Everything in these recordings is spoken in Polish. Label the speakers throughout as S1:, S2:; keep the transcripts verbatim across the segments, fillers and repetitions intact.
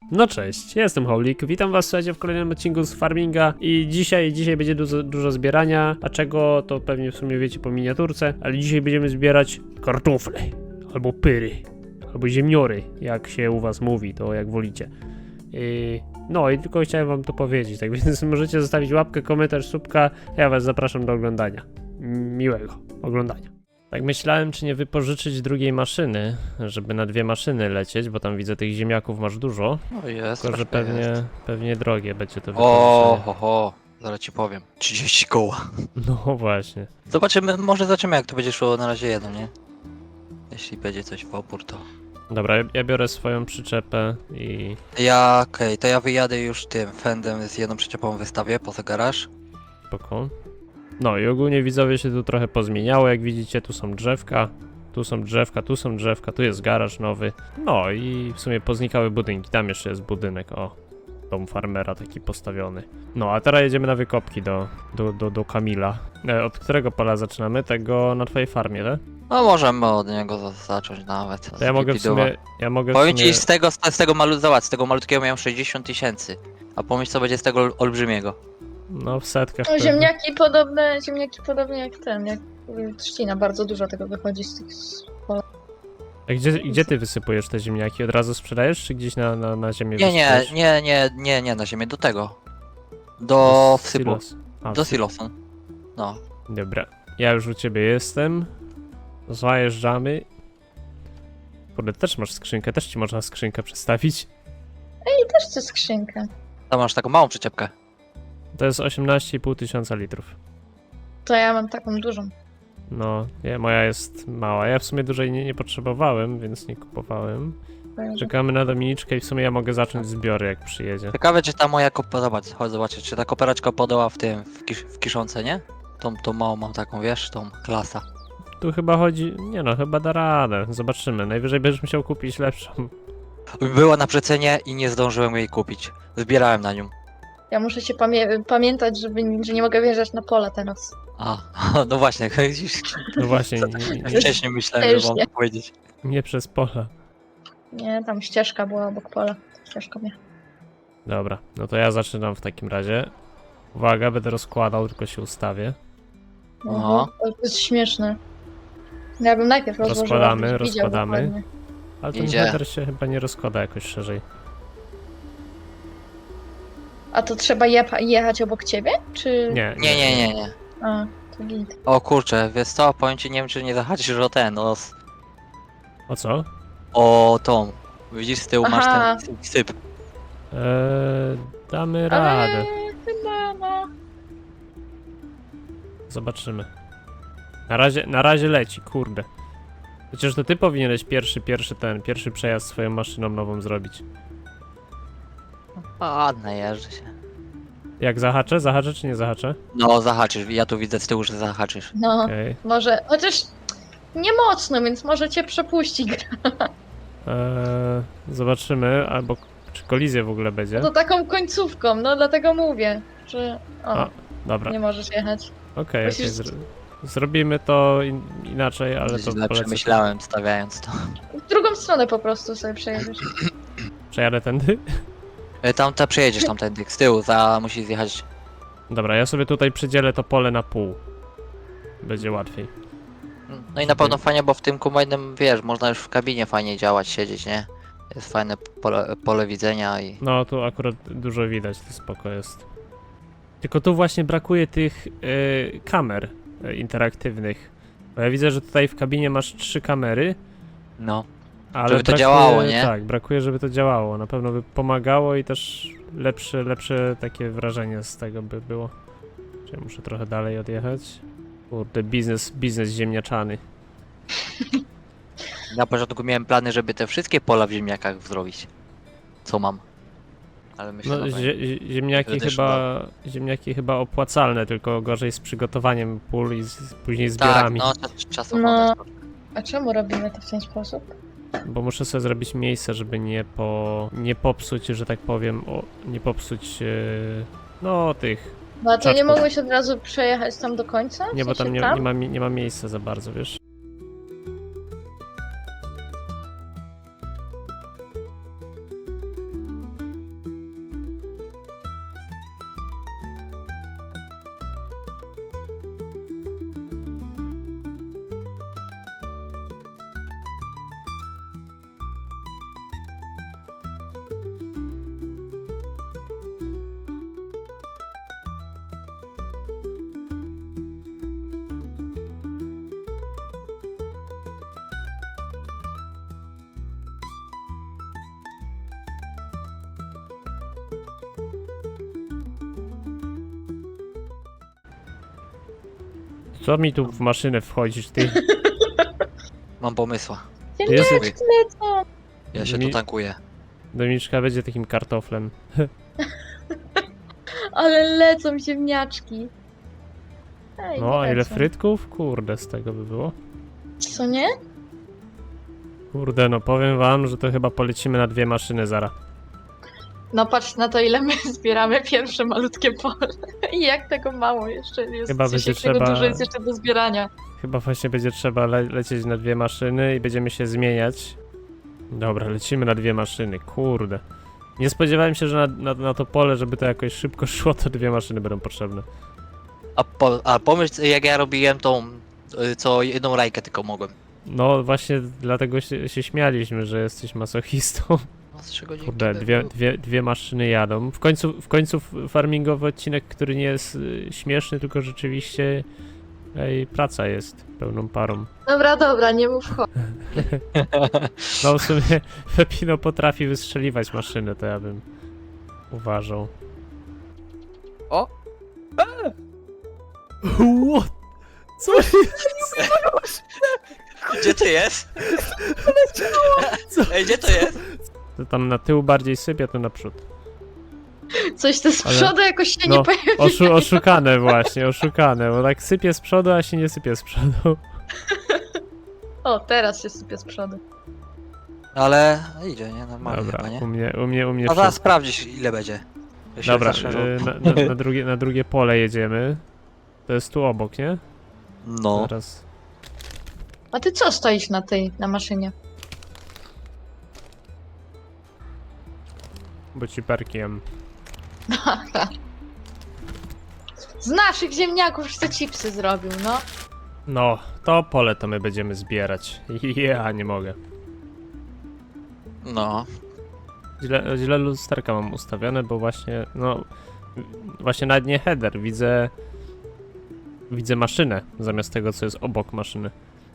S1: No cześć, ja jestem Howlik, witam was słuchajcie w kolejnym odcinku z Farminga i dzisiaj, dzisiaj będzie dużo, dużo zbierania, a czego to pewnie w sumie wiecie po miniaturce, ale dzisiaj będziemy zbierać kartofle, albo pyry, albo ziemniory, jak się u was mówi, to jak wolicie. Yy, no i tylko chciałem wam to powiedzieć, tak więc możecie zostawić łapkę, komentarz, subka, ja was zapraszam do oglądania. Miłego oglądania. Tak myślałem, czy nie wypożyczyć drugiej maszyny, żeby na dwie maszyny lecieć, bo tam widzę tych ziemniaków masz dużo.
S2: No jest,
S1: Tylko, że
S2: troszkę
S1: pewnie,
S2: jest.
S1: pewnie drogie będzie to
S2: O,
S1: wypożyczenie.
S2: ho, ho, zaraz ci powiem. trzydzieści koła.
S1: No właśnie.
S2: Zobaczymy, może zobaczymy jak to będzie szło na razie jedno, nie? Jeśli będzie coś w opór, to...
S1: Dobra, ja, ja biorę swoją przyczepę i...
S2: Ja, okej, okay, to ja wyjadę już tym Fendem z jedną przyczepą wystawię poza garaż.
S1: Spoko. No i ogólnie widzowie się tu trochę pozmieniało, jak widzicie tu są drzewka, tu są drzewka, tu są drzewka, tu jest garaż nowy. No i w sumie poznikały budynki, tam jeszcze jest budynek, o. Dom farmera taki postawiony. No a teraz jedziemy na wykopki do, do, do, do Kamila. E, od którego pola zaczynamy? Tego na twojej farmie, tak?
S2: No możemy od niego za zacząć nawet.
S1: To ja mogę w sumie, ja mogę w
S2: Powiem
S1: sumie...
S2: ci z tego, z, z tego malu, zobacz, z tego malutkiego miałem sześćdziesiąt tysięcy. A pomyśl co będzie z tego ol- olbrzymiego.
S1: No w setkach
S3: No,
S1: pewnie.
S3: ziemniaki podobne, ziemniaki podobnie jak ten, jak y, trzcina, bardzo dużo tego wychodzi z tych z pola.
S1: A gdzie, gdzie ty wysypujesz te ziemniaki? Od razu sprzedajesz, czy gdzieś na, na, na ziemię
S2: Nie, nie,
S1: wysypujesz?
S2: nie, nie, nie, nie na ziemię, do tego. Do wsypu.
S1: silos. A,
S2: Do
S1: wsyp.
S2: silosu. No.
S1: Dobra, ja już u ciebie jestem. Zajeżdżamy. Kurde, też masz skrzynkę, też ci można skrzynkę przestawić.
S3: I też chcę skrzynkę.
S2: Tam masz taką małą przyczepkę.
S1: To jest osiemnaście i pół tysiąca litrów.
S3: To ja mam taką dużą.
S1: No, nie, moja jest mała. Ja w sumie dużej nie, nie potrzebowałem, więc nie kupowałem. Czekamy na Dominiczkę i w sumie ja mogę zacząć zbiory, jak przyjedzie.
S2: Ciekawe czy ta moja kopa, zobacz, chodź zobaczyć, czy ta koperaczka podała w tym, w, kisz, w kiszące, nie? Tą, tą małą mam taką, wiesz, tą klasa.
S1: Tu chyba chodzi... Nie no, chyba da radę. Zobaczymy. Najwyżej będziesz musiał kupić lepszą.
S2: Była na przecenie i nie zdążyłem jej kupić. Zbierałem na nią.
S3: Ja muszę się pamię pamiętać, żeby, że nie mogę wjeżdżać na pola teraz.
S2: A, no właśnie,
S1: No właśnie, nie, nie,
S2: wcześniej myślałem,
S3: Też
S2: że mam
S3: nie.
S2: to powiedzieć.
S1: nie przez pola.
S3: Nie, tam ścieżka była obok pola. Ścieżka mnie.
S1: Dobra, no to ja zaczynam w takim razie. Uwaga, będę rozkładał, tylko się ustawię.
S2: Aha.
S3: To jest śmieszne. Ja bym najpierw rozłożyła,
S1: Rozkładamy,
S3: żebyś widział
S1: rozkładamy.
S3: dokładnie.
S1: Ale ten
S2: Idzie.
S1: header się chyba nie rozkłada jakoś szerzej.
S3: A to trzeba je jechać obok ciebie? Czy...
S1: Nie,
S2: Nie, nie, nie, nie.
S3: A, to git.
S2: O kurczę, wiesz co, powiem ci, nie wiem czy nie zahaczysz o ten, o, s-
S1: O co?
S2: o tą. Widzisz z tyłu
S3: Aha.
S2: masz ten syp, syp.
S1: Eee, damy
S3: Ale
S1: radę.
S3: chyba no...
S1: Zobaczymy. Na razie, na razie leci, kurde. Przecież to ty powinieneś pierwszy, pierwszy ten, pierwszy przejazd swoją maszyną nową zrobić.
S2: Ładne jeżdżę się.
S1: Jak zahaczę? Zahaczę czy nie zahaczę?
S2: No zahaczysz, ja tu widzę z tyłu, że zahaczysz.
S3: No,
S1: Okej.
S3: może... Chociaż nie mocno, więc może cię przepuści gra.
S1: Eee, zobaczymy, albo czy kolizja w ogóle będzie.
S3: To taką końcówką, no dlatego mówię, że... O,
S1: A, Dobra,
S3: nie możesz jechać.
S1: okej,
S3: musisz-
S1: okej, zr zrobimy to in inaczej, ale to
S2: Źle
S1: polecę.
S2: przemyślałem stawiając to.
S3: W drugą stronę po prostu sobie przejedziesz.
S1: Przejadę tędy?
S2: E, Tam ta przejedziesz tamtędy, z tyłu, za musi zjechać.
S1: Dobra, ja sobie tutaj przydzielę to pole na pół. Będzie łatwiej.
S2: No i na pewno fajnie, bo w tym kombajnem, wiesz, można już w kabinie fajnie działać, siedzieć, nie? Jest fajne pole, pole widzenia i...
S1: No, tu akurat dużo widać, to spoko jest. Tylko tu właśnie brakuje tych y, kamer y, interaktywnych. Bo ja widzę, że tutaj w kabinie masz trzy kamery,
S2: No.
S1: ale
S2: Żeby to
S1: brakuje,
S2: działało, nie?
S1: Tak, brakuje, żeby to działało. Na pewno by pomagało i też lepsze, lepsze takie wrażenie z tego by było. Czyli muszę trochę dalej odjechać. Kurde, biznes, biznes ziemniaczany.
S2: Na początku miałem plany, żeby te wszystkie pola w ziemniakach zrobić. Co mam. Ale myślę,
S1: No,
S2: że
S1: zie ziemniaki
S2: Będę
S1: chyba, ziemniaki chyba opłacalne, tylko gorzej z przygotowaniem pól i z, później
S2: tak,
S1: zbiorami.
S2: no czas- czasowo
S3: No.
S2: też.
S3: A czemu robimy to w ten sposób?
S1: Bo muszę sobie zrobić miejsce, żeby nie po... nie popsuć, że tak powiem, o, nie popsuć, e, no tych...
S3: No a to nie
S1: Czaczków.
S3: mogłeś od razu przejechać tam do końca? W
S1: Nie, bo tam
S3: sensie
S1: nie, nie, ma, mi- nie ma miejsca za bardzo, wiesz? Co mi tu w maszynę wchodzisz, ty?
S2: Mam pomysła.
S1: Jest-
S3: Ziemniaczki lecą!
S2: Ja się
S1: Mi-
S2: tu tankuję.
S1: Dominiczka będzie takim kartoflem.
S3: Ale lecą ziemniaczki. Ej,
S1: No, a ile
S3: lecą.
S1: frytków? Kurde, z tego by było.
S3: Co nie?
S1: Kurde, no powiem wam, że to chyba polecimy na dwie maszyny zaraz.
S3: No patrz na to, ile my zbieramy pierwsze malutkie pole. I jak tego mało jeszcze jest.
S1: Chyba
S3: w sensie,
S1: będzie
S3: jak tego
S1: trzeba-
S3: dużo jest jeszcze do zbierania.
S1: Chyba właśnie będzie trzeba le lecieć na dwie maszyny i będziemy się zmieniać. Dobra, lecimy na dwie maszyny, kurde. Nie spodziewałem się, że na, na, na to pole, żeby to jakoś szybko szło, to dwie maszyny będą potrzebne.
S2: A, po, a pomyśl, jak ja robiłem tą, y, co jedną rajkę tylko mogłem.
S1: No właśnie dlatego się, się śmialiśmy, że jesteś masochistą.
S2: No, z trzy godzinki
S1: Kurde,
S2: by
S1: dwie,
S2: było.
S1: dwie, dwie maszyny jadą. W końcu, w końcu farmingowy odcinek, który nie jest y, śmieszny, tylko rzeczywiście ej, praca jest pełną parą.
S3: Dobra, dobra, nie mów chodź.
S1: No w sumie Pepino potrafi wystrzeliwać maszynę, to ja bym uważał.
S4: O!
S1: What? Co jest?
S2: Gdzie to jest?
S1: Co?
S2: Ej, gdzie to jest?
S1: To tam na tył bardziej sypie, to naprzód.
S3: Coś to z
S1: Ale-
S3: przodu jakoś się
S1: No,
S3: nie pojawi.
S1: Oszu oszukane właśnie, oszukane, bo tak sypie z przodu, a się nie sypie z przodu.
S3: O, teraz się sypie z przodu.
S2: Ale idzie, nie? Normalnie
S1: Dobra,
S2: chyba, nie?
S1: u mnie, u mnie, u mnie
S2: A zaraz
S1: wszystko.
S2: sprawdzisz, ile będzie. Ja się
S1: Dobra,
S2: zaszerzą.
S1: y, na, na, na, drugie, na drugie pole jedziemy. To jest tu obok, nie?
S2: No.
S1: Teraz.
S3: A ty co stoisz na tej, na maszynie?
S1: Bo ci perkiem.
S3: Z naszych ziemniaków już te chipsy zrobił, no.
S1: No, to pole to my będziemy zbierać. Ja nie mogę.
S2: No.
S1: Źle, źle lusterka mam ustawione, bo właśnie, no, właśnie nawet nie header, widzę, widzę maszynę zamiast tego, co jest obok maszyny.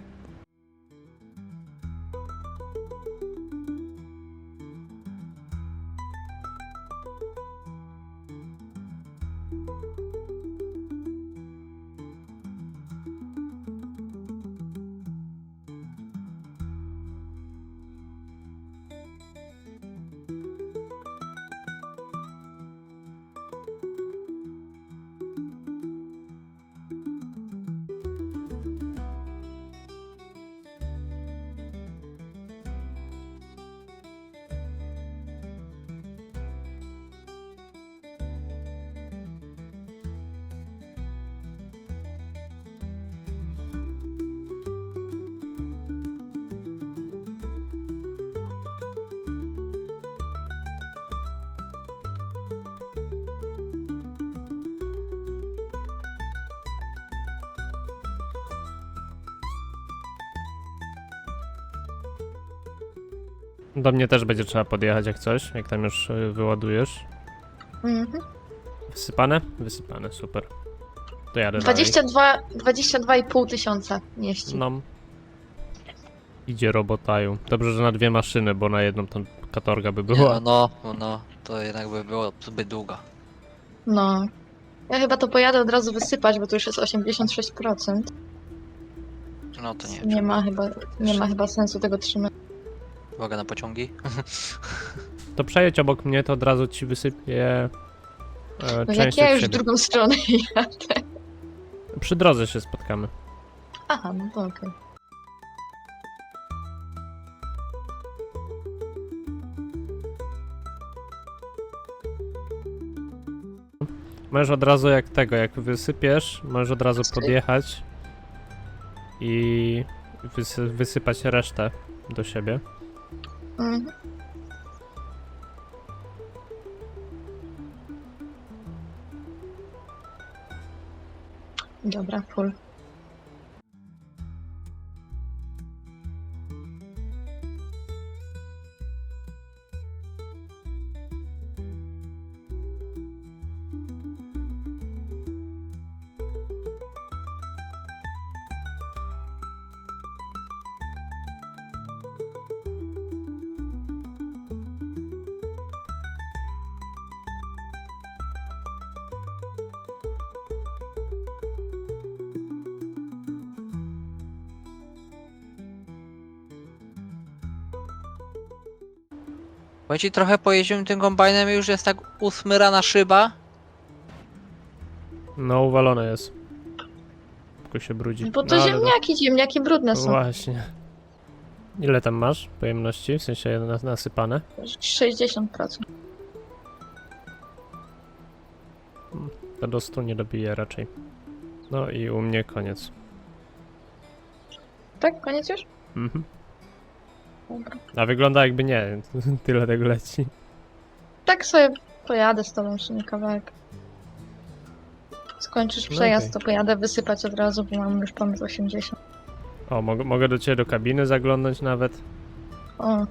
S1: Do mnie też będzie trzeba podjechać jak coś, jak tam już y, wyładujesz.
S3: Mhm.
S1: Wysypane? Wysypane, super. To jadę
S3: dwadzieścia dwa, dwadzieścia dwa i pół tysiąca mieści.
S1: dalej. No. Idzie robotaju. Dobrze, że na dwie maszyny, bo na jedną tam katorga by
S2: Nie,
S1: była.
S2: no, no, no, to jednak by było zbyt długo.
S3: No. Ja chyba to pojadę od razu wysypać, bo to już jest osiemdziesiąt sześć procent.
S2: No to nie,
S3: Nie ma chyba, nie ma chyba sensu tego trzymać.
S2: uwaga na pociągi.
S1: To przejedź obok mnie, to od razu ci wysypię e,
S3: No
S1: część
S3: jak ja
S1: od
S3: już w
S1: siebie.
S3: drugą stronę jadę.
S1: Przy drodze się spotkamy.
S3: Aha, no to okej.
S1: Możesz od razu jak tego, jak wysypiesz, możesz od razu podjechać i wysy wysypać resztę do siebie.
S3: Mhm. Dobra, full.
S2: Bo ci trochę pojeździłem tym kombajnem i już jest tak usmyrana szyba.
S1: No, uwalone jest. Tylko się brudzi.
S3: Bo to
S1: no, ale
S3: ziemniaki, ziemniaki brudne
S1: No
S3: są.
S1: właśnie. Ile tam masz pojemności? W sensie nas- nasypane?
S3: sześćdziesiąt procent.
S1: To do stu nie dobije raczej. No i u mnie koniec.
S3: Tak? Koniec już?
S1: Mhm.
S3: Dobra.
S1: A wygląda jakby nie. Tyle tego leci.
S3: Tak sobie pojadę z tobą jeszcze kawałek. Skończysz
S1: No
S3: przejazd,
S1: okej.
S3: to pojadę wysypać od razu, bo mam już ponad osiemdziesiąt.
S1: O, mogę, mogę do ciebie do kabiny zaglądnąć nawet.
S3: O,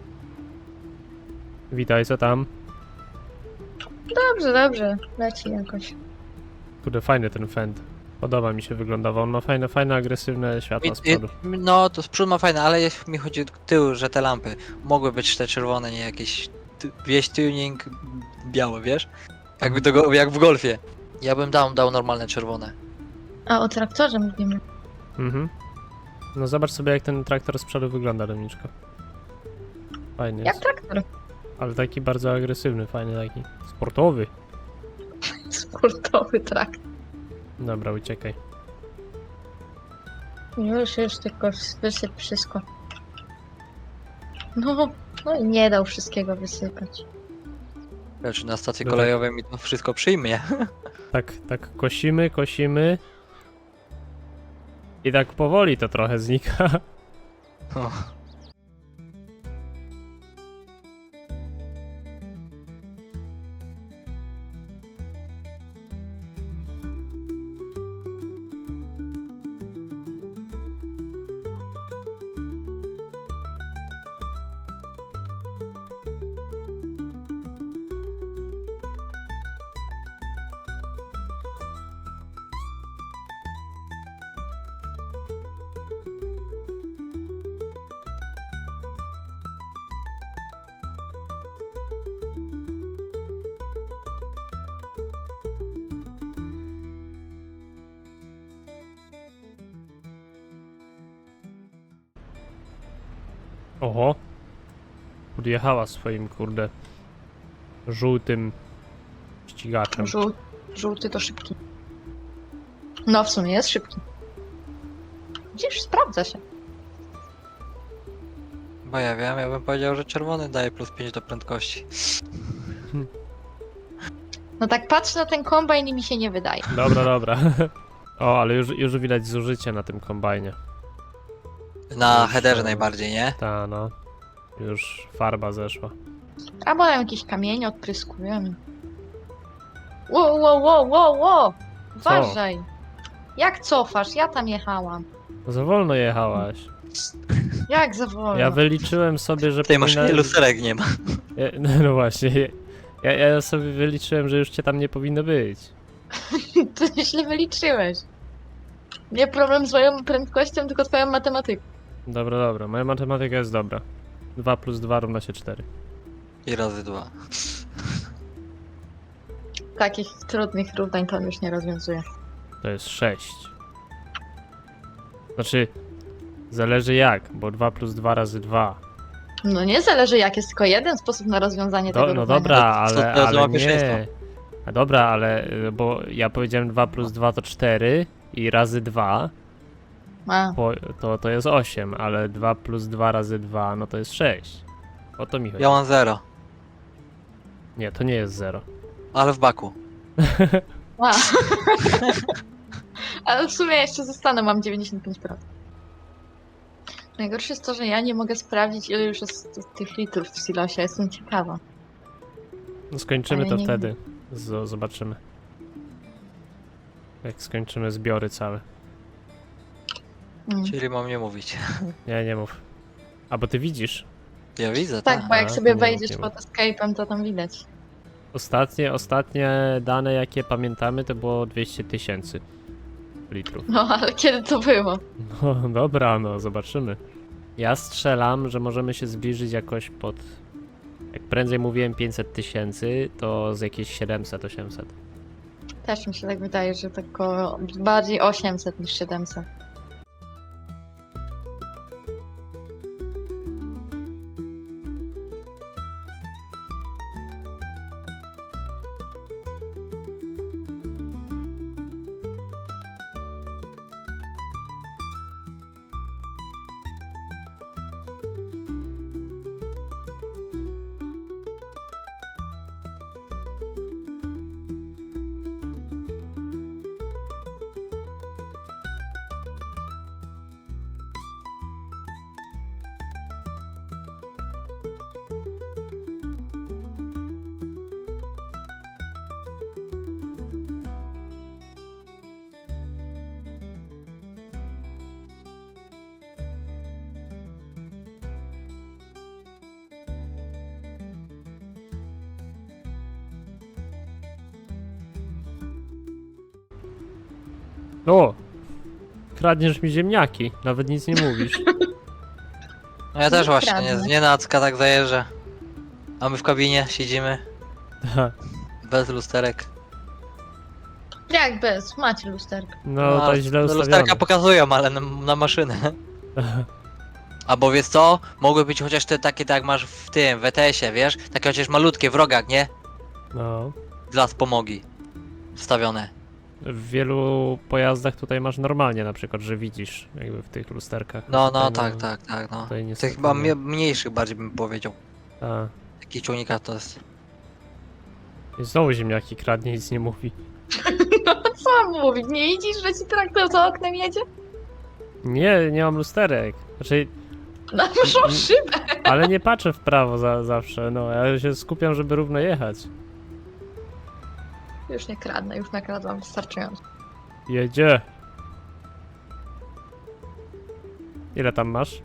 S1: Witaj, co tam?
S3: dobrze, dobrze. Leci jakoś.
S1: Kurde, fajny ten fend. Podoba mi się wyglądawał. On ma fajne, fajne, agresywne światła z
S2: I- i-
S1: przodu.
S2: No to z przodu ma fajne, ale jest, mi chodzi o tył, że te lampy mogły być te czerwone, nie jakieś ty- wieś tuning białe, wiesz? Jakby do, go- jak w golfie. Ja bym dał, dał normalne czerwone.
S3: A o traktorze mówimy.
S1: Mhm. No zobacz sobie jak ten traktor z przodu wygląda, Dominiczko. Fajny
S3: Jak
S1: jest.
S3: traktor.
S1: Ale taki bardzo agresywny, fajny taki. Sportowy.
S3: Sportowy traktor.
S1: Dobra, uciekaj.
S3: Już, już tylko wysyp wszystko. No, no i nie dał wszystkiego wysypać.
S2: Znaczy na stacji
S1: No tak.
S2: kolejowej mi to wszystko przyjmie.
S1: Tak, tak kosimy, kosimy. I tak powoli to trochę znika.
S2: O.
S1: Oho. Podjechała swoim, kurde, żółtym ścigaczem.
S3: Żół, żółty to szybki. No w sumie jest szybki. Gdzieś sprawdza się.
S2: Bo ja wiem, ja bym powiedział, że czerwony daje plus pięć do prędkości.
S3: No tak patrzę na ten kombajn i mi się nie wydaje.
S1: Dobra, dobra. O, ale już, już widać zużycie na tym kombajnie.
S2: Na
S1: Już,
S2: headerze
S1: e,
S2: najbardziej, nie?
S1: Ta, no. Już farba zeszła.
S3: Albo tam jakieś kamienie odpryskują. Ło, ło, ło, ło, ło! Uważaj! Jak cofasz? Ja tam jechałam.
S1: No za wolno jechałaś.
S3: Jak za wolno?
S1: Ja wyliczyłem sobie, że
S2: W tej maszynie
S1: powinna-
S2: lusterek nie ma.
S1: Ja, no, no właśnie. Ja, ja sobie wyliczyłem, że już cię tam nie powinno być.
S3: Ty źle wyliczyłeś. Nie problem z moją prędkością, tylko twoją matematyką.
S1: Dobra, dobra. Moja matematyka jest dobra. dwa plus dwa równa się cztery.
S2: I razy dwa.
S3: Takich trudnych równań to on już nie rozwiązuje.
S1: To jest sześć. Znaczy, zależy jak, bo dwa plus dwa razy dwa.
S3: No nie zależy jak, jest tylko jeden sposób na rozwiązanie
S1: Do,
S3: tego
S1: no
S3: równania.
S1: dobra,
S2: To- to-
S1: ale,
S2: to
S1: ale
S2: ma
S1: nie.
S2: pierwszeństwo.
S1: A dobra, ale, y, bo ja powiedziałem dwa plus dwa to cztery i razy dwa
S3: A,
S1: po, to, to jest osiem, ale dwa plus dwa razy dwa no to jest sześć. O to mi chodzi.
S2: Ja mam zero,
S1: Nie, to nie jest zero.
S2: ale w baku.
S3: a. Ale w sumie jeszcze zostanę, mam dziewięćdziesiąt pięć procent. Najgorsze jest to, że ja nie mogę sprawdzić ile już jest ty- tych litrów w silosie, jestem ciekawa.
S1: No skończymy
S3: Ale
S1: to
S3: nie
S1: wtedy. Z, zobaczymy. Jak skończymy zbiory całe.
S3: Mm.
S2: Czyli mam nie mówić.
S1: Nie, nie mów. A bo ty widzisz.
S2: Ja widzę,
S3: Tak,
S2: tak.
S3: bo jak
S1: A,
S3: sobie
S1: to nie mów,
S3: wejdziesz
S1: nie
S3: pod
S1: mów.
S3: escape'em, to tam widać.
S1: Ostatnie, ostatnie dane jakie pamiętamy to było dwieście tysięcy litrów.
S3: No, ale kiedy to było?
S1: No dobra, no zobaczymy. Ja strzelam, że możemy się zbliżyć jakoś pod... Jak prędzej mówiłem pięćset tysięcy, to z jakieś siedemset osiemset.
S3: Też mi się tak wydaje, że tylko bardziej osiemset niż siedemset.
S1: O! Kradniesz mi ziemniaki, nawet nic nie mówisz.
S2: No ja też
S3: Nie
S2: właśnie,
S3: kradnę.
S2: nie, nie nacka tak zajeżdżę. A my w kabinie siedzimy, bez lusterek.
S3: Jak bez? Macie lusterko.
S1: No to źle
S2: no,
S1: ustawione.
S2: lusterka pokazują, ale na, na maszynę. Albo wiesz co? Mogły być chociaż te takie, tak jak masz w tym, w E T S-ie, wiesz? Takie chociaż malutkie w rogach, nie?
S1: No.
S2: Dla wspomogi. Wstawione.
S1: W wielu pojazdach tutaj masz normalnie na przykład, że widzisz jakby w tych lusterkach.
S2: No, no,
S1: Tutaj,
S2: tak, tak, tak, no.
S1: Tutaj
S2: Tych
S1: niestety
S2: chyba
S1: nie.
S2: mie- mniejszych bardziej bym powiedział.
S1: A.
S2: Takich ciągnikach to jest.
S1: I znowu ziemniaki kradnie, nic nie mówi.
S3: Co mam mówić? Nie widzisz, że ci traktor za oknem jedzie?
S1: Nie, nie mam lusterek. Znaczy,
S3: Na naszą
S1: Mm.
S3: szybę.
S1: ale nie patrzę w prawo za, zawsze, no. Ja się skupiam, żeby równo jechać.
S3: Już nie kradnę, już nakradłam wystarczająco.
S1: Jedzie. Ile tam masz?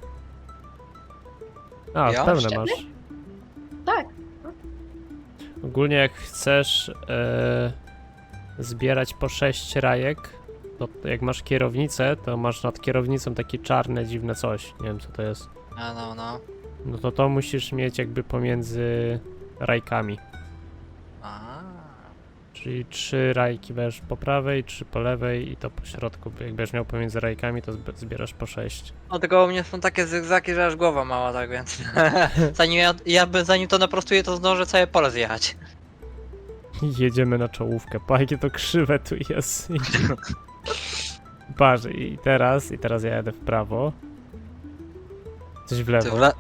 S1: A,
S2: Ja?
S1: pełne
S3: Cztery?
S1: masz.
S3: Tak.
S1: Ogólnie jak chcesz e, zbierać po sześć rajek, to jak masz kierownicę, to masz nad kierownicą takie czarne, dziwne coś. Nie wiem co to jest.
S2: A no, no.
S1: No to to musisz mieć jakby pomiędzy rajkami.
S2: A.
S1: Czyli trzy rajki będziesz po prawej, trzy po lewej i to po środku. Jak będziesz miał pomiędzy rajkami, to zb- zbierasz po sześć.
S2: No tylko u mnie są takie zygzaki, że aż głowa mała, tak więc. zanim ja, ja by, zanim to naprostuję, to zdążę całe pole zjechać.
S1: Jedziemy na czołówkę. Pa, jakie to krzywe tu jest. Patrz, i teraz, i teraz ja jadę w prawo. Coś w
S2: Ty
S1: lewo.
S2: w le...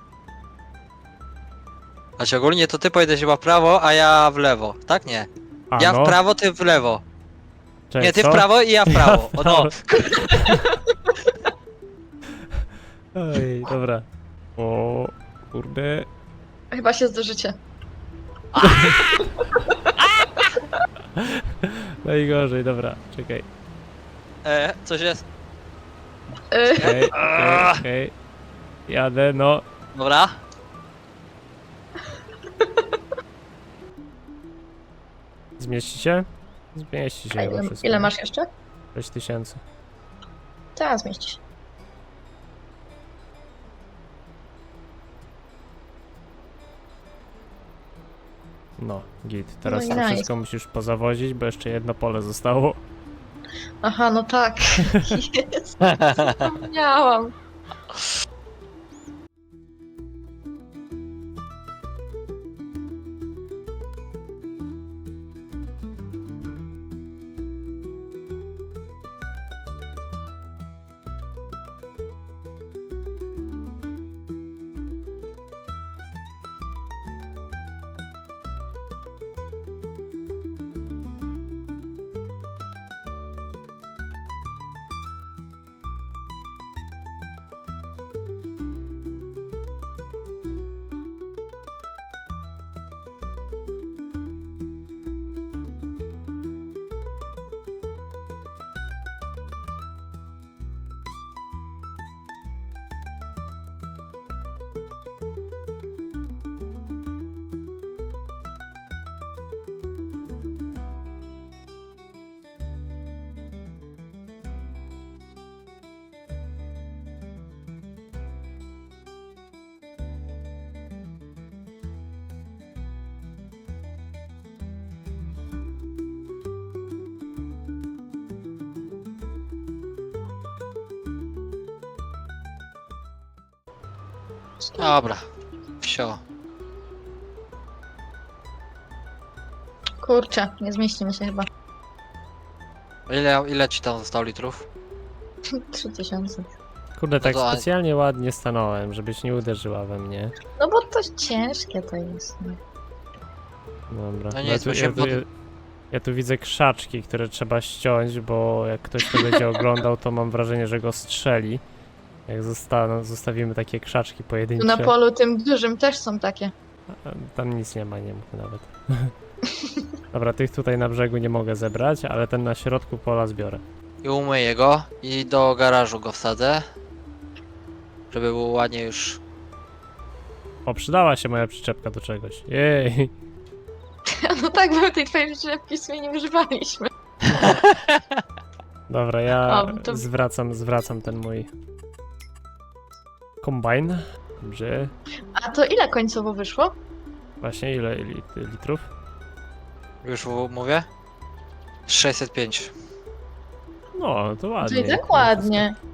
S2: Znaczy ogólnie to ty pojedziesz chyba w prawo, a ja w lewo, tak? Nie.
S1: A,
S2: Ja
S1: no.
S2: w prawo, ty w lewo.
S1: Czekaj,
S2: Nie, ty
S1: co?
S2: w prawo i ja w prawo. O, no.
S1: Oj, dobra. O, kurde.
S3: Chyba się zdążycie.
S1: Najgorzej, dobra, czekaj.
S2: E, coś jest.
S3: Yy,
S1: Okej, okej, okej. Jadę, no.
S2: Dobra.
S1: Zmieści się? Zmieści się
S3: a
S1: chyba
S3: ile,
S1: wszystko.
S3: ile masz jeszcze?
S1: sześć tysięcy.
S3: Tak, zmieści się.
S1: No, git. Teraz
S3: No i
S1: to
S3: nice.
S1: wszystko musisz pozawozić, bo jeszcze jedno pole zostało.
S3: Aha, no tak. Jest. Zapomniałam.
S2: Dobra. Wsio.
S3: Kurczę, nie zmieścimy się chyba.
S2: Ile, ile ci tam zostało litrów?
S3: Trzy tysiące.
S1: Kurde, tak
S2: No to-
S1: specjalnie ładnie stanąłem, żebyś nie uderzyła we mnie.
S3: No bo to ciężkie to jest. no.
S1: Dobra.
S2: No nie,
S1: ja, tu,
S2: to się
S1: ja, tu,
S2: pod-
S1: ja, ja tu widzę krzaczki, które trzeba ściąć, bo jak ktoś to będzie oglądał, to mam wrażenie, że go strzeli. Jak zosta zostawimy takie krzaczki
S3: Tu
S1: pojedyncze.
S3: na polu tym dużym też są takie.
S1: A, tam nic nie ma, nie mów nawet. Dobra, tych tutaj na brzegu nie mogę zebrać, ale ten na środku pola zbiorę.
S2: I umyję go i do garażu go wsadzę. Żeby było ładnie już.
S1: O, przydała się moja przyczepka do czegoś. Jej!
S3: No tak, bo tej twojej przyczepki w sumie nie używaliśmy.
S1: Dobra, ja
S3: O, to-
S1: zwracam, zwracam ten mój kombajn. Dobrze.
S3: A to ile końcowo wyszło?
S1: Właśnie, ile lit litrów?
S2: Już w- mówię? sześćset pięć.
S1: No, to
S3: To
S1: ładnie.
S3: i tak ładnie.